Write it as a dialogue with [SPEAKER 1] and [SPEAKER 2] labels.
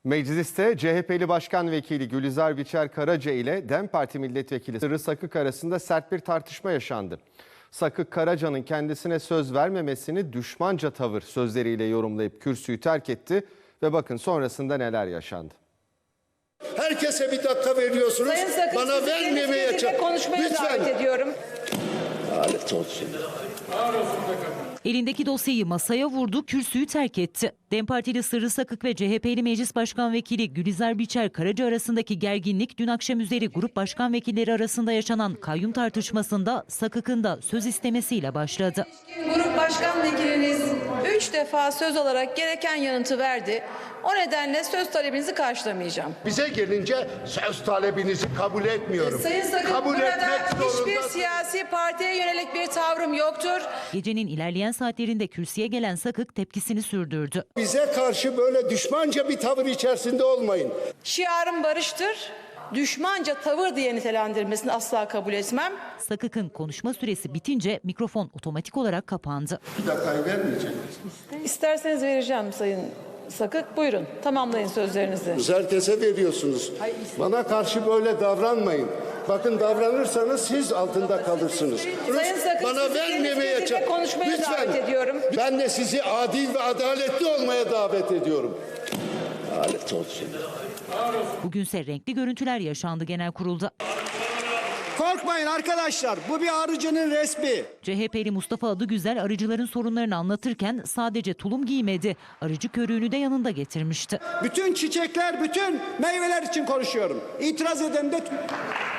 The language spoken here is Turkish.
[SPEAKER 1] Mecliste CHP'li Başkan Vekili Gülizar Biçer-Karaca ile DEM Parti Milletvekili Sırrı Sakık arasında sert bir tartışma yaşandı. Sakık, Karaca'nın kendisine söz vermemesini düşmanca tavır sözleriyle yorumlayıp kürsüyü terk etti ve bakın sonrasında neler yaşandı.
[SPEAKER 2] Herkese bir dakika veriyorsunuz.
[SPEAKER 3] Sayın Sakık,
[SPEAKER 2] bana vermemeye
[SPEAKER 3] konuşmaya
[SPEAKER 2] lütfen.
[SPEAKER 3] davet ediyorum.
[SPEAKER 2] Lanet olsun.
[SPEAKER 4] Elindeki dosyayı masaya vurdu, kürsüyü terk etti. DEM Partili Sırrı Sakık ve CHP'li Meclis Başkan Vekili Gülizar Biçer-Karaca arasındaki gerginlik dün akşam üzeri grup başkan vekilleri arasında yaşanan kayyum tartışmasında Sakık'ın da söz istemesiyle başladı.
[SPEAKER 3] Grup başkan vekiliniz 3 defa söz alarak gereken yanıtı verdi. O nedenle söz talebinizi karşılamayacağım.
[SPEAKER 2] Bize gelince söz talebinizi kabul etmiyorum.
[SPEAKER 3] Sayın Sakık,
[SPEAKER 2] kabul
[SPEAKER 3] burada
[SPEAKER 2] etmek
[SPEAKER 3] hiçbir
[SPEAKER 2] zorunda.
[SPEAKER 3] siyasi partiye yönelik bir tavrım yoktur.
[SPEAKER 4] Gecenin ilerleyen saatlerinde kürsüye gelen Sakık tepkisini sürdürdü.
[SPEAKER 2] Bize karşı böyle düşmanca bir tavır içerisinde olmayın.
[SPEAKER 3] Şiarım barıştır. Düşmanca tavır diye nitelendirmesini asla kabul etmem.
[SPEAKER 4] Sakık'ın konuşma süresi bitince mikrofon otomatik olarak kapandı.
[SPEAKER 2] Bir dakikayı vermeyecek misiniz?
[SPEAKER 3] İsterseniz vereceğim Sayın Sakık. Buyurun, tamamlayın sözlerinizi.
[SPEAKER 2] Herkese veriyorsunuz. Bana karşı böyle davranmayın. Bakın davranırsanız siz altında kalırsınız.
[SPEAKER 3] Sayın Sakık,
[SPEAKER 2] Bana
[SPEAKER 3] sizi
[SPEAKER 2] vermemeye
[SPEAKER 3] kendisine konuşmaya davet ediyorum.
[SPEAKER 2] Ben de sizi adil ve adaletli olmaya davet ediyorum. Lanet olsun.
[SPEAKER 4] Bugünse renkli görüntüler yaşandı genel kurulda.
[SPEAKER 5] Korkmayın arkadaşlar, bu bir arıcının resmi.
[SPEAKER 4] CHP'li Mustafa Adıgüzel arıcıların sorunlarını anlatırken sadece tulum giymedi, arıcı körüğünü de yanında getirmişti.
[SPEAKER 5] Bütün çiçekler, bütün meyveler için konuşuyorum. İtiraz eden de